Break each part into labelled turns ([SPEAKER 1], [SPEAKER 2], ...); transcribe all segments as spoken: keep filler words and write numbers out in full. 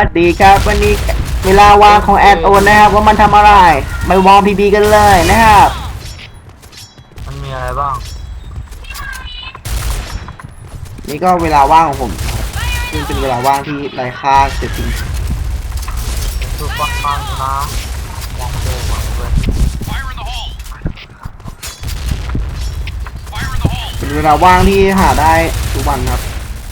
[SPEAKER 1] สวัสดีครับวันนี้เวลาว่างของแอดโอนนะครับว่ามันทำอะไรไปวอร์มพีบีกันเลยนะครับ
[SPEAKER 2] มันมีอะไรบ้าง
[SPEAKER 1] นี่ก็เวลาว่างของผมซึ่งเป็นเวลาว่างที่ไร้ค่าเสียจริง
[SPEAKER 2] คือฟังฟังนะมองโดมาเลย
[SPEAKER 1] เป็นเวลาว่างที่หาได้ทุกวันครับ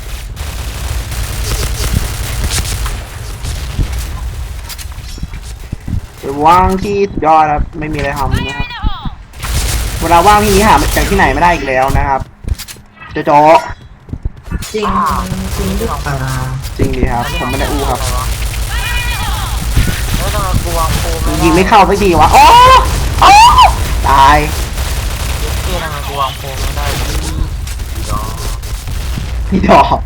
[SPEAKER 1] เป็นว่างที่สุดยอดครับไม่มีอะไรทำนะครับเวลาว่างที่นี้หาจากที่ไหนไม่ได้อีกแล้วนะครับโจโจ
[SPEAKER 3] จริงจริงหรือเปล่า
[SPEAKER 1] จริงดีครับผมไม่ได้อู้ครับ
[SPEAKER 2] เฮ้ยทำไมกูวางโฟม
[SPEAKER 1] ยิงไม่เข้าสักทีวะโอ้โอ้ตาย
[SPEAKER 2] เย็ดเกี้ยทำไมกูวางโฟมไม่ได้พี่ดอก
[SPEAKER 1] พี่ดอก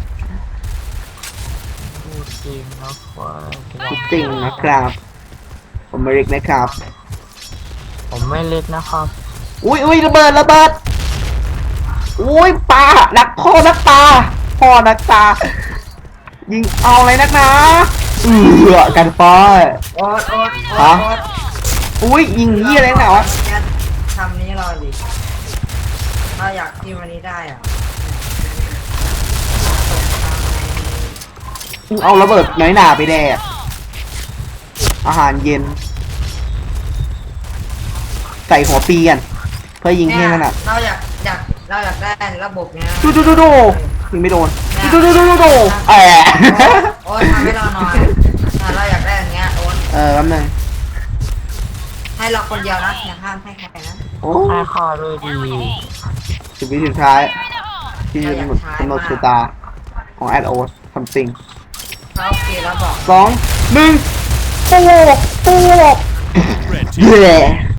[SPEAKER 2] พูดจริงนะว่า
[SPEAKER 1] พูดจริงนะครับผมไม่เล็กนะครับ
[SPEAKER 2] ผมไม่เล็กนะครับ
[SPEAKER 1] อุ้ยอุ้ยระเบิดระเบิดอุ้ยปลานักพ่อนักตาพ่อนักตายิงเอาเลยนักนะเอือกันป้อย
[SPEAKER 3] โอ๊ตโอ๊ตโอ๊ต
[SPEAKER 1] ฮะ
[SPEAKER 3] โอ๊ต
[SPEAKER 1] อุ้ยยิงยี่อะไรหนาวะ
[SPEAKER 3] ทำนี้เราดิเราอยากทีมวันนี้ได้อ่ะ
[SPEAKER 1] เอาระเบิดน้อยหนาไปแดกอาหารเย็นใส่หัวปีกันเพื่อยิงให้นั่นอ่ะ
[SPEAKER 3] เราอยากอยากเราอยากได้ระบบเนี้ย
[SPEAKER 1] ดูดูดูดูยิงไม่โดนดูดูดูดูดูแอะ
[SPEAKER 3] โอ๊ตทำให้เราหน่อยเราอยากได้อย่างเงี้ยโอ๊ต
[SPEAKER 1] เออแป๊บนึง
[SPEAKER 3] ให้เราคนเดียวนะอย่าห้ามให้ใครนะ
[SPEAKER 1] โอ้
[SPEAKER 2] ให้ข้าด้วยดี
[SPEAKER 1] สิบวิสุดท้ายที่จะกำหนดกำหนดชะตาของแอดโอ๊ตทำสิ่ง
[SPEAKER 3] เราโอเคแล้วบอก
[SPEAKER 1] สองหนึ่งปูปูเย่